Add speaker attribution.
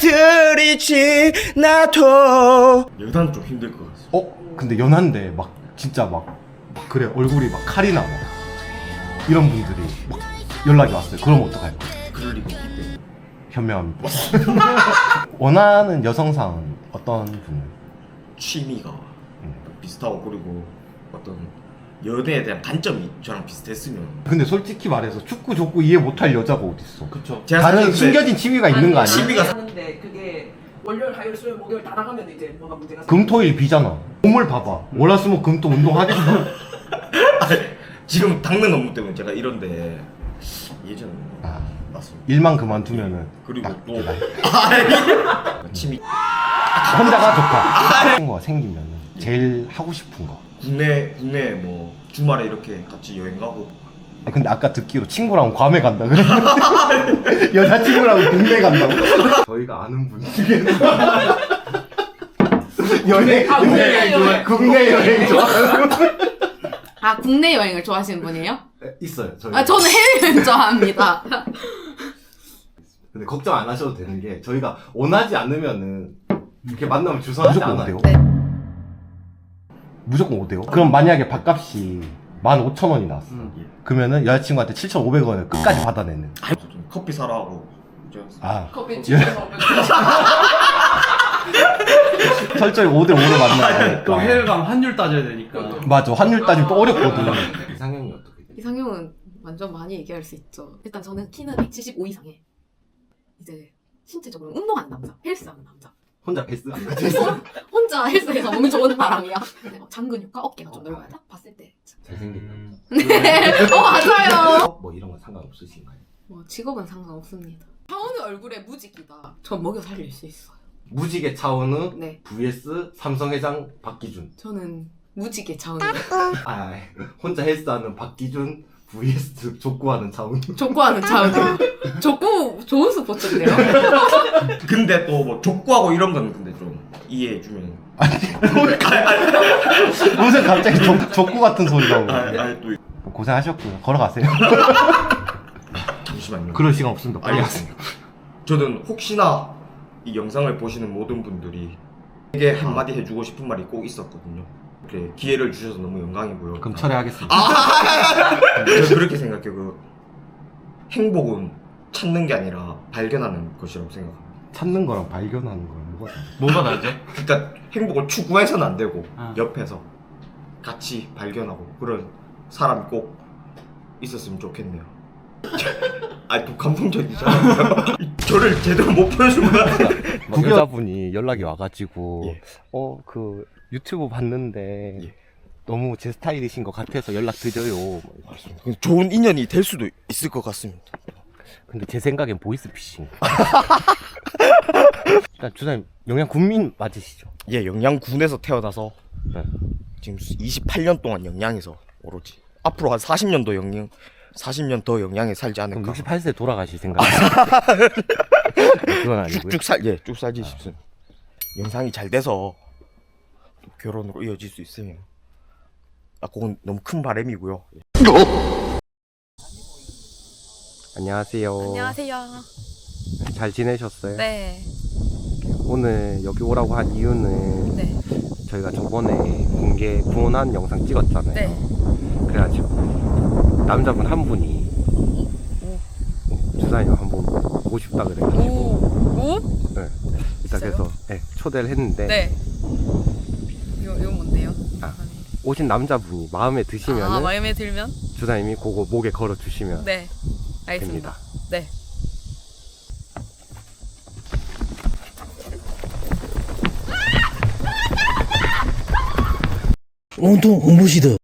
Speaker 1: 사람들이 지나도. 여단 좀 힘들 것 같아.
Speaker 2: 근데 연한데 막 진짜 막 그래 얼굴이 막 칼이 나 막 이런 분들이 막 연락이 왔어요. 그럼 어떡할 거야?
Speaker 1: 그럴 리가 없기 때문에.
Speaker 2: 현명합니다. 원하는 여성상은 어떤 분을?
Speaker 1: 취미가 비슷하고, 그리고 어떤 연애에 대한 관점이 저랑 비슷했으면.
Speaker 2: 근데 솔직히 말해서 축구 족구 이해 못할 여자가 어딨어?
Speaker 3: 그쵸.
Speaker 1: 제가
Speaker 2: 다른
Speaker 1: 사실
Speaker 2: 숨겨진 취미가 있는 거 아니야?
Speaker 1: 취미가
Speaker 4: 하는데 그게 월요일, 화요일, 수요일, 목요일 다 나가면 이제 뭐가 문제가
Speaker 2: 금토일 비잖아. 몸을 봐봐. 월화수목금토 운동하겠어?
Speaker 1: 지금 닦는 업무 때문에 제가 이런데 예전에 맞습니다.
Speaker 2: 일만 그만두면은
Speaker 1: 그리고
Speaker 2: 딱
Speaker 1: 또
Speaker 2: 이제
Speaker 1: 취미
Speaker 2: 혼자가 좋다. 친구가 생기면 제일 하고 싶은 거.
Speaker 1: 국내 뭐 주말에 이렇게 같이 여행 가고.
Speaker 2: 근데 아까 듣기로 친구랑 괌에 간다 그랬는데 여자친구랑 국내 간다고? 저희가 아는 분 중에 국내 여행 좋아하는 분
Speaker 5: 아, 국내 여행을 좋아하시는 분이에요?
Speaker 2: 있어요. 저희.
Speaker 5: 아, 저는 해외여행 좋아합니다.
Speaker 2: 근데 걱정 안 하셔도 되는 게 저희가 원하지 않으면은 이렇게 만나면 주선하지 않아요.
Speaker 5: 네.
Speaker 2: 무조건 오대요. 그럼 만약에 밥값이 15,000원이 나왔어. 그러면은 여자친구한테 7,500원을 끝까지 받아내는.
Speaker 1: 좀 커피 사라 하고 제가
Speaker 2: 아,
Speaker 4: 커피 집에서
Speaker 2: 철저히 5대5로 만나야 되니까.
Speaker 3: 또 해외가면 환율 따져야 되니까.
Speaker 2: 맞아. 환율 따지면 또 어렵거든. 이상형이 어떻게 돼?
Speaker 5: 이상형은 완전 많이 얘기할 수 있죠. 일단 저는 키는 175 이상에 이제 신체적으로 운동하는 남자, 헬스하는 남자.
Speaker 2: 혼자 베스 안 가지?
Speaker 5: 혼자 헬스해서 몸이 좋은 사람이야. 장근육과 어깨가 좀 넓어야 딱 봤을 때.
Speaker 2: 잘생긴 남자.
Speaker 5: 네, 맞아요.
Speaker 2: 뭐 이런 건 상관없으신가요?
Speaker 5: 뭐 직업은 상관없습니다. 차은우 얼굴에 무지기다. 전 먹여 살릴 수 있어요.
Speaker 2: 무지개 차은우
Speaker 5: 네,
Speaker 2: vs 삼성회장 박기준.
Speaker 5: 저는 무지개 차은우.
Speaker 2: 혼자 헬스하는 박기준 vs 족구하는 차은우.
Speaker 5: 족구하는 차은우. 족구 좋은 스포츠인데요?
Speaker 1: 근데 또 뭐 족구하고 이런 건 근데 좀 이해해주면.
Speaker 2: 무슨 갑자기 족구 같은 소리 나오고.
Speaker 1: 또
Speaker 2: 고생하셨고요. 걸어가세요.
Speaker 1: 잠시만요.
Speaker 2: 그럴 시간 없습니다. 빨리 가세요.
Speaker 1: 저는 혹시나 이 영상을 보시는 모든 분들이 에게 한마디 해주고 싶은 말이 꼭 있었거든요. 이렇게 기회를 주셔서 너무 영광이고요.
Speaker 2: 그럼 철회하겠습니다.
Speaker 1: 저는 그렇게 생각해요. 그 행복은 찾는 게 아니라 발견하는 것이라고 생각합니다.
Speaker 2: 찾는 거랑 발견하는 거랑 뭐가 다르죠?
Speaker 3: 뭐가 다르죠?
Speaker 1: 그러니까 행복을 추구해서는 안 되고
Speaker 3: 아.
Speaker 1: 옆에서 같이 발견하고 그런 사람이 꼭 있었으면 좋겠네요. 또 감동적이잖아요. 저를 제대로 못 보여준 것 같은데.
Speaker 2: 여자분이 연락이 와가지고
Speaker 1: 예.
Speaker 2: 그 유튜브 봤는데
Speaker 1: 예.
Speaker 2: 너무 제 스타일이신 것 같아서 연락 드려요.
Speaker 1: 좋은 인연이 될 수도 있을 것 같습니다.
Speaker 2: 근데 제 생각엔 보이스피싱. 일단 주사님 영양 군민 맞으시죠?
Speaker 1: 예, 영양군에서 태어나서
Speaker 2: 네.
Speaker 1: 지금 28년 동안 영양에서 오로지 앞으로 한 40년 더 영양에 살지
Speaker 2: 그럼
Speaker 1: 않을까.
Speaker 2: 68세 돌아가실 생각이에요? 그건 아니고요.
Speaker 1: 쭉 살지 싶습니다. 영상이 잘 돼서 또 결혼으로 이어질 수 있으면 그건 너무 큰 바람이고요.
Speaker 2: 안녕하세요.
Speaker 6: 안녕하세요.
Speaker 2: 잘 지내셨어요?
Speaker 6: 네.
Speaker 2: 오늘 여기 오라고 한 이유는
Speaker 6: 네.
Speaker 2: 저희가 저번에 공개 구원한 영상 찍었잖아요.
Speaker 6: 네.
Speaker 2: 그래가지고 남자분 한 분이 주사님 한번 보고 싶다 그래가지고
Speaker 6: 오.
Speaker 2: 네. 일단
Speaker 6: 진짜요?
Speaker 2: 그래서 초대를 했는데
Speaker 6: 네. 이거 뭔데요?
Speaker 2: 오신 남자분이 마음에 드시면
Speaker 6: 마음에 들면?
Speaker 2: 주사님이 그거 목에 걸어 주시면
Speaker 6: 네. 알겠습니다.
Speaker 2: 됩니다.
Speaker 6: 네.
Speaker 7: 온통 홍보시드